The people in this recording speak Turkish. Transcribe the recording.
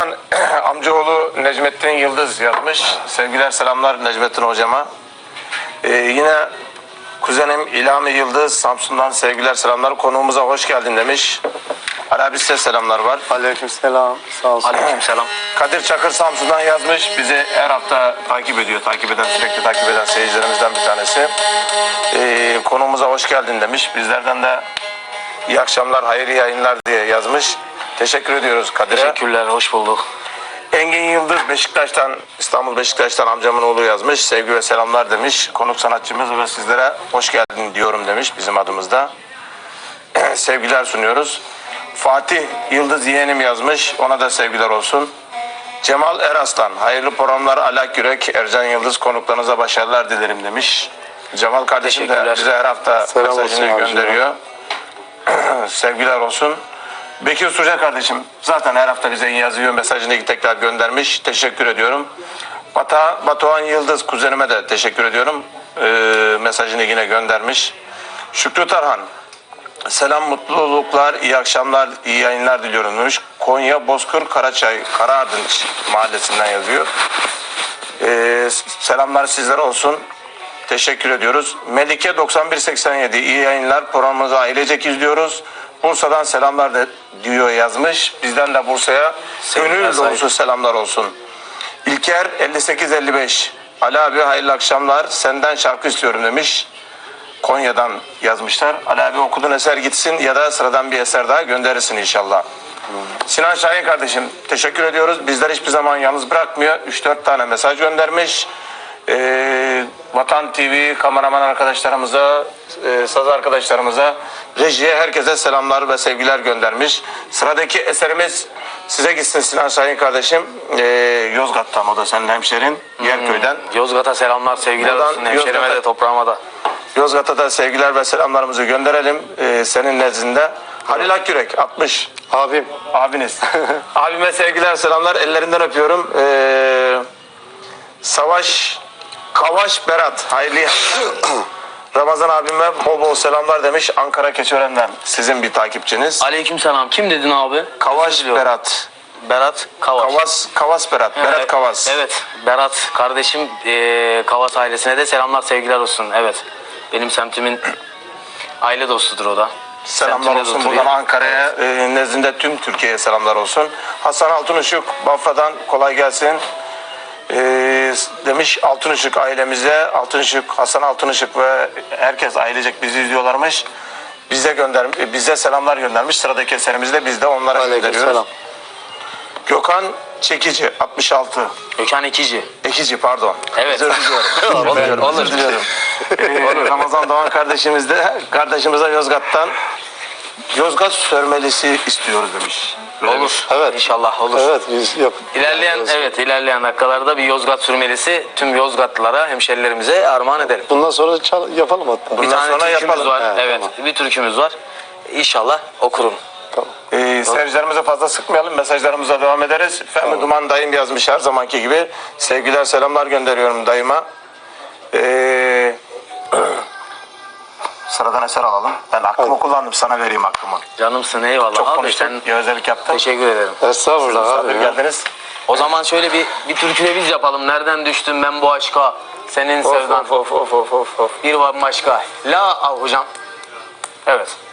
Amcaoğlu Necmettin Yıldız yazmış. Sevgiler selamlar Necmettin hocama. Yine kuzenim İlhami Yıldız Samsun'dan sevgiler selamlar. Konuğumuza hoş geldin demiş. Ali abi size selamlar var. Aleykümselam. Sağ olsun. Aleykümselam. Kadir Çakır Samsun'dan yazmış. Bizi her hafta takip ediyor. Sürekli takip eden seyircilerimizden bir tanesi. Konuğumuza hoş geldin demiş. Bizlerden de iyi akşamlar, hayırlı yayınlar diye yazmış. Teşekkür ediyoruz Kadir'e. Teşekkürler, hoş bulduk. Engin Yıldız Beşiktaş'tan, İstanbul Beşiktaş'tan amcamın oğlu yazmış. Sevgi ve selamlar demiş. Konuk sanatçımız ve sizlere hoş geldin diyorum demiş bizim adımızda. Sevgiler sunuyoruz. Fatih Yıldız yeğenim yazmış. Ona da sevgiler olsun. Cemal Eraslan, hayırlı programlar Alak Yürek, Ercan Yıldız konuklarınıza başarılar dilerim demiş. Cemal kardeşim de bize her hafta Selam mesajını olsun gönderiyor. Sevgiler olsun. Bekir Suca kardeşim zaten her hafta bize yazıyor, mesajını tekrar göndermiş. Teşekkür ediyorum. Batuhan Yıldız kuzenime de teşekkür ediyorum. Mesajını yine göndermiş. Şükrü Tarhan, selam, mutluluklar, iyi akşamlar, iyi yayınlar diliyorum demiş. Konya Bozkır Karaçay Karaardınç mahallesinden yazıyor. Selamlar sizlere olsun. Teşekkür ediyoruz. Melike 9187 iyi yayınlar, programımızı ailecek izliyoruz. Bursa'dan selamlar diyor yazmış. Bizden de Bursa'ya gönül dolusu selamlar olsun. İlker 5855 Ali abi hayırlı akşamlar, senden şarkı istiyorum demiş. Konya'dan yazmışlar. Ali abi okuduğun eser gitsin ya da sıradan bir eser daha gönderirsin inşallah. Sinan Şahin kardeşim teşekkür ediyoruz. Bizler hiçbir zaman yalnız bırakmıyor. 3-4 tane mesaj göndermiş. Vatan TV kameraman arkadaşlarımıza, saz arkadaşlarımıza, rejiye, herkese selamlar ve sevgiler göndermiş. Sıradaki eserimiz size gitsin Sinan Şahin kardeşim. Yozgat'tan, o da senin hemşerin, Yerköy'den. Yozgat'a selamlar, sevgiler olsun. Hemşerime de, toprağıma da. Yozgat'a da sevgiler ve selamlarımızı gönderelim senin nezdinde. Halil Akyürek 60. Abim. Abiniz. Abime sevgiler selamlar, ellerinden öpüyorum. Kavaş Berat hayırlı Ramazan abime bol bol selamlar demiş. Ankara Keçiören'den sizin bir takipçiniz. Aleykümselam. Kim dedin abi? Kavaş Berat. Berat Kavas. Kavas Berat. Berat Kavas. Evet. Berat kardeşim, Kavas ailesine de selamlar, sevgiler olsun. Evet. Benim semtimin aile dostudur o da. Selamlar olsun buradan Ankara'ya, nezdinde tüm Türkiye'ye selamlar olsun. Hasan Altınışık Bafra'dan kolay gelsin. Demiş Altınışık ailemize, Hasan Altınışık ve herkes ailecek bizi izliyorlarmış. Bize selamlar göndermiş. Sıradaki eserimizi de biz de onlara gönderiyoruz. Selam. Gökhan Çekici 66. Gökhan Ekici pardon. Evet. Özür diliyorum. Olur. Özür diliyorum. Ramazan Doğan kardeşimize Yozgat'tan Yozgat sörmelisi istiyoruz demiş. Olur. Evet. İnşallah olur. Evet, biz İlerleyen dakikalarda bir Yozgat sürmelisi tüm Yozgatlılara, hemşerilerimize armağan edelim. bundan sonra yapalım hatta. Bir tane sonra türkümüz yapalım. var. He, Evet, tamam. bir türkümüz var. İnşallah okurum. Tamam. Seyircilerimize fazla sıkmayalım. Mesajlarımıza devam ederiz. Fehmi Duman dayım yazmış her zamanki gibi. Sevgiler selamlar gönderiyorum dayıma. Sıradan eser alalım. Ben aklımı kullandım, sana vereyim aklımı. Canımsın, eyvallah. Çok abi, konuştum, sen gevezelik yaptım. teşekkür ederim. Estağfurullah Misafir abi. Ya. geldiniz. O zaman şöyle bir türkü de biz yapalım. Nereden düştüm ben bu aşka? Senin sevdan. Of. Bir var başka. La al hocam. Evet.